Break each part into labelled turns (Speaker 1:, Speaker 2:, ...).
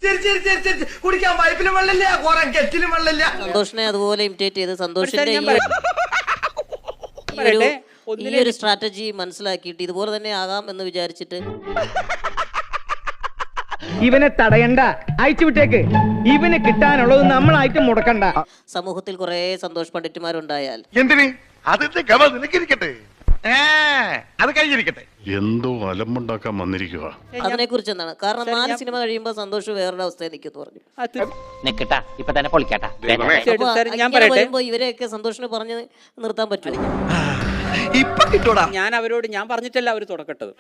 Speaker 1: കുടിക്കാൻ പൈപ്പിലും വെള്ളമില്ല, കുറെ കെറ്റിലും വെള്ളമില്ല.
Speaker 2: സന്തോഷിനെ അതുപോലെ ഇമിറ്റേറ്റ് ചെയ്ത് സന്തോഷിന്റെ ഈ ഒരു സ്ട്രാറ്റജി മനസ്സിലാക്കിയിട്ട് ഇതുപോലെ തന്നെ ആകാം എന്ന് വിചാരിച്ചിട്ട്
Speaker 3: ഇവനെ തടയണ്ട, അയച്ചു വിട്ടേക്ക്. ഇവന് കിട്ടാനുള്ളത് നമ്മളായിട്ട് മുടക്കണ്ട.
Speaker 2: സമൂഹത്തിൽ കുറെ സന്തോഷ് പണ്ഡിറ്റുമാരുണ്ടായാൽ
Speaker 4: എന്തിന് അതിന്റെ ഗമ നിനക്കിരിക്കട്ടെ, അത് കഴിഞ്ഞിരിക്കട്ടെ.
Speaker 5: എന്തോ അലമ്പുണ്ടാക്കാൻ വന്നിരിക്കുക.
Speaker 2: അതിനെ കുറിച്ച് എന്താണ്? കാരണം 4 സിനിമ കഴിയുമ്പോൾ സന്തോഷ് വേറൊരു അവസ്ഥയെ നിൽക്കുന്നു പറഞ്ഞു.
Speaker 6: ഇപ്പൊ തന്നെ പൊളിക്കാട്ടാ.
Speaker 2: വരുമ്പോ ഇവരെയൊക്കെ സന്തോഷിന് പറഞ്ഞ് നിർത്താൻ പറ്റും.
Speaker 1: ഇപ്പൊ കിട്ടൂടാ.
Speaker 6: ഞാൻ അവരോട് ഞാൻ പറഞ്ഞിട്ടല്ല അവര് തുടക്കട്ടത്.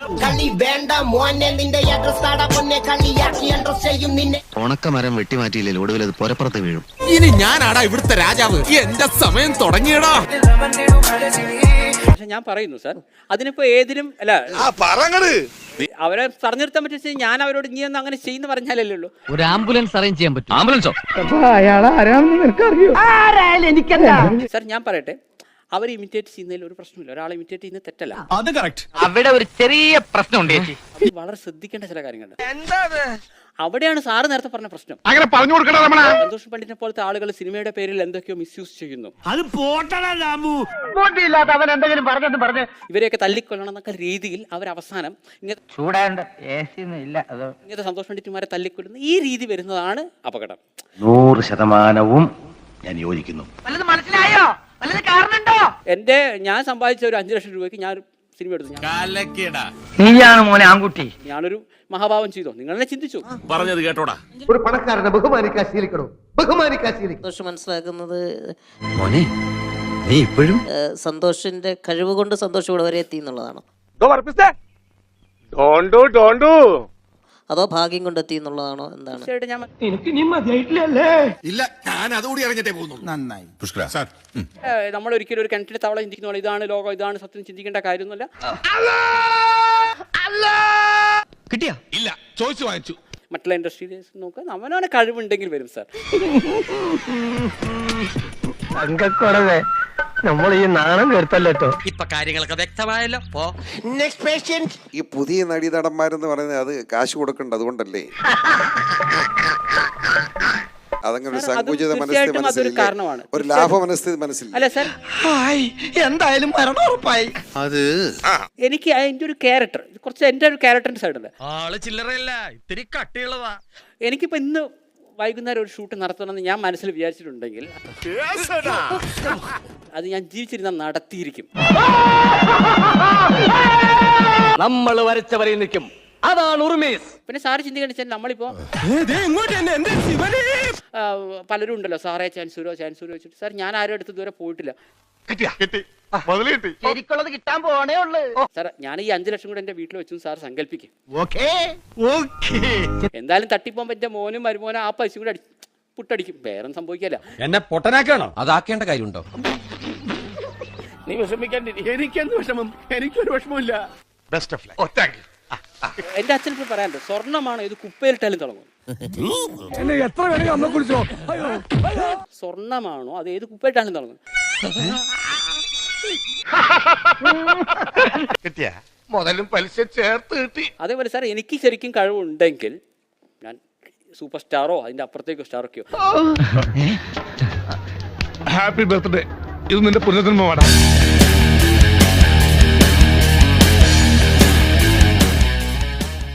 Speaker 7: ഉണക്കമരം വെട്ടിമാറ്റിയില്ലേ ഒടുവിൽ അത് പുരപ്പുറത്ത് വീഴും.
Speaker 8: ഇനി ഞാനാടാ ഇവിടുത്തെ രാജാവ്. എന്റെ സമയം തുടങ്ങിയടാ.
Speaker 6: പക്ഷെ ഞാൻ പറയുന്നു സാർ, അതിനിപ്പോ ഏതിലും അല്ല അവരെ പറഞ്ഞു നിർത്താൻ പറ്റും. ഞാൻ അവരോട് നീ ഒന്ന് അങ്ങനെ ചെയ്യുന്ന പറഞ്ഞാലല്ലേ ഉള്ളൂ.
Speaker 9: ഒരു ആംബുലൻസ് അറേഞ്ച് ചെയ്യാൻ പറ്റും. ആംബുലൻസോ?
Speaker 3: അയാൾ ആരാണെന്ന് നിനക്കറിയോ?
Speaker 6: സാർ ഞാൻ പറയട്ടെ, അവർ ഇമിറ്റേറ്റ് ചെയ്യുന്നതിൽ ഒരു പ്രശ്നമില്ല. ഒരാളെ ഇമിറ്റേറ്റ് ചെയ്യുന്നത് തെറ്റല്ല.
Speaker 8: അത് കറക്റ്റ്.
Speaker 9: അവിടെ ഒരു ചെറിയ പ്രശ്നമുണ്ട് ചേച്ചി.
Speaker 6: അത് വളരെ ശ്രദ്ധിക്കേണ്ട ചില കാര്യങ്ങളുണ്ട്. അവിടെയാണ് സാറ് നേരത്തെ പറഞ്ഞ പ്രശ്നം.
Speaker 4: അങ്ങനെ പറഞ്ഞു കൊടുക്കണ രമണ.
Speaker 6: സന്തോഷ് പണ്ഡിറ്റിനെ പോലത്തെ ആളുകൾ സിനിമയുടെ പേരിൽ എന്തൊക്കെയോ മിസ്യൂസ് ചെയ്യുന്നു.
Speaker 1: അത് പോട്ടണ
Speaker 3: അവൻ എന്തെങ്കിലും പറഞ്ഞു
Speaker 6: ഇവരെയൊക്കെ തല്ലിക്കൊല്ലണം എന്നൊക്കെ രീതിയിൽ അവർ അവസാനം ഇങ്ങനത്തെ സന്തോഷ് പണ്ഡിറ്റുമാരെ തല്ലിക്കൊല്ലുന്ന ഈ രീതി വരുന്നതാണ് അപകടം.
Speaker 7: 100% ഞാൻ യോജിക്കുന്നു.
Speaker 3: മനസ്സിലായോ? കാരണുണ്ടോ?
Speaker 6: ഞാൻ സമ്പാദിച്ച ഒരു 5 ലക്ഷം രൂപയ്ക്ക് ഞാൻ സിനിമ എടുത്തു.
Speaker 3: നീയാണ് മോനെ ആൺകുട്ടി.
Speaker 6: ഞാനൊരു മഹാഭാവം ചെയ്തോ? നിങ്ങൾ തന്നെ ചിന്തിച്ചു.
Speaker 8: പറഞ്ഞത് കേട്ടോടാ.
Speaker 1: ഒരു പണക്കാരനെ ബഹുമാനിക്കാൻ ശീലിക്കണോ? ബഹുമാനിക്കാൻ ശീലിക്കണം.
Speaker 2: സന്തോഷ് മനസ്സിലാക്കുന്നത്
Speaker 7: മോനെ നീ ഇപ്പോഴും
Speaker 2: സന്തോഷിന്റെ കഴിവ് കൊണ്ട് സന്തോഷം ഇവിടെ വരെ എത്തി എന്നുള്ളതാണോ, അതോ ഭാഗ്യം കൊണ്ട് എത്തി എന്നുള്ളതാണോ, എന്താണ്?
Speaker 8: ഇല്ല, ഞാൻ അതുകൂടി അറിഞ്ഞിട്ടേ പോകുന്നു. നന്നായി പുഷ്കര സാർ.
Speaker 6: നമ്മൾ ഒരിക്കലും ഒരു കിണറ്റിലെ തവള ചിന്തിക്കുന്ന ഇതാണ് ലോകം, ഇതാണ് സത്യം ചിന്തിക്കേണ്ട കാര്യമൊന്നുമല്ല.
Speaker 8: കിട്ടിയാ? ഇല്ല, ചോദിച്ചു വാങ്ങിച്ചു.
Speaker 6: മറ്റുള്ള ഇൻഡസ്ട്രിയിൽ നോക്കുക, അവനവനെ കഴിവുണ്ടെങ്കിൽ വരും സാർ.
Speaker 3: നമ്മൾ ഈ നാണം കേട്ടല്ലോ.
Speaker 9: ഇപ്പൊ കാര്യങ്ങളൊക്കെ വ്യക്തമായല്ലോ.
Speaker 1: Next patient.
Speaker 10: ഈ പുതിയ നടീനടന്മാരെന്ന് പറയുന്നത് അത് കാശ് കൊടുക്കണ്ട, അതുകൊണ്ടല്ലേ? അതങ്ങനെ ഒരു സങ്കുചിത മനസ്ഥിതി,
Speaker 6: കാരണമാണ്.
Speaker 10: ഒരു ലാഭ മനസ്ഥിതി മനസ്സില്ല.
Speaker 6: അല്ല സാർ,
Speaker 1: എന്തായാലും മരണം ഉറപ്പായി.
Speaker 10: അത്
Speaker 6: എനിക്ക് അതിന്റെ ഒരു ക്യാരക്ടർ, കുറച്ച് എന്റെ ഒരു ക്യാരക്ടറിന്റെ സൈഡല്ലേ.
Speaker 9: ആള് ചില്ലറയല്ല, ഇത്തിരി കട്ടിയുള്ളതാ.
Speaker 6: എനിക്കിപ്പോ ഇന്ന് വൈകുന്നേരം ഒരു ഷൂട്ട് നടത്തണമെന്ന് ഞാൻ മനസ്സിൽ വിചാരിച്ചിട്ടുണ്ടെങ്കിൽ അത് ഞാൻ ജീവിച്ചിരുന്ന നടത്തിയിരിക്കും.
Speaker 9: നമ്മൾ വരച്ചവരെ നിൽക്കും, അതാണ് ഉറുമേസ്.
Speaker 6: പിന്നെ സാറ് ചിന്തിക്കേണ്ട വെച്ചാൽ നമ്മളിപ്പോ പലരും ഉണ്ടല്ലോ, സാറേ ചാൻസൂരോ വെച്ചിട്ട്. സാർ ഞാൻ ആരും അടുത്ത് ഇതുവരെ പോയിട്ടില്ല.
Speaker 3: ശരിക്കുള്ളത് കിട്ടാൻ പോണേ ഉള്ളു.
Speaker 6: സാർ ഞാൻ ഈ 5 ലക്ഷം കൂടെ എന്റെ വീട്ടിൽ വെച്ചു സാർ സങ്കല്പിക്കും. എന്തായാലും തട്ടിപ്പോൻ പറ്റിയ മോനും മരുമോനും ആ പൈസ കൂടെ പുട്ടടിക്കും, വേറെ സംഭവിക്കല്ല.
Speaker 8: എന്നെ പൊട്ടനാക്കാണോ? അതാക്കേണ്ട കാര്യമുണ്ടോ?
Speaker 6: നീ വിഷമിക്കാൻ, എനിക്കെന്ത് വിഷമം? എനിക്കൊരു വിഷമമില്ല.
Speaker 4: Best of luck.
Speaker 6: എന്റെ അച്ഛൻ ഇപ്പൊ പറയാനുണ്ട്, സ്വർണ്ണമാണ് ഇത് കുപ്പയിലിട്ടാലും തുടങ്ങും. സ്വർണ്ണമാണോ അത് ഏത് കുപ്പയിട്ടാലും തുടങ്ങും.
Speaker 4: കിട്ടിയ മുതലും പലിശ ചേർത്ത് കിട്ടി.
Speaker 6: അതേപോലെ സാർ എനിക്ക് ശരിക്കും കഴിവുണ്ടെങ്കിൽ ഞാൻ സൂപ്പർ സ്റ്റാറോ അതിന്റെ അപ്പുറത്തേക്കോ സ്റ്റാറൊക്കെയോ.
Speaker 4: Happy birthday. ഇത് നിന്റെ പുനർജന്മമാണ്.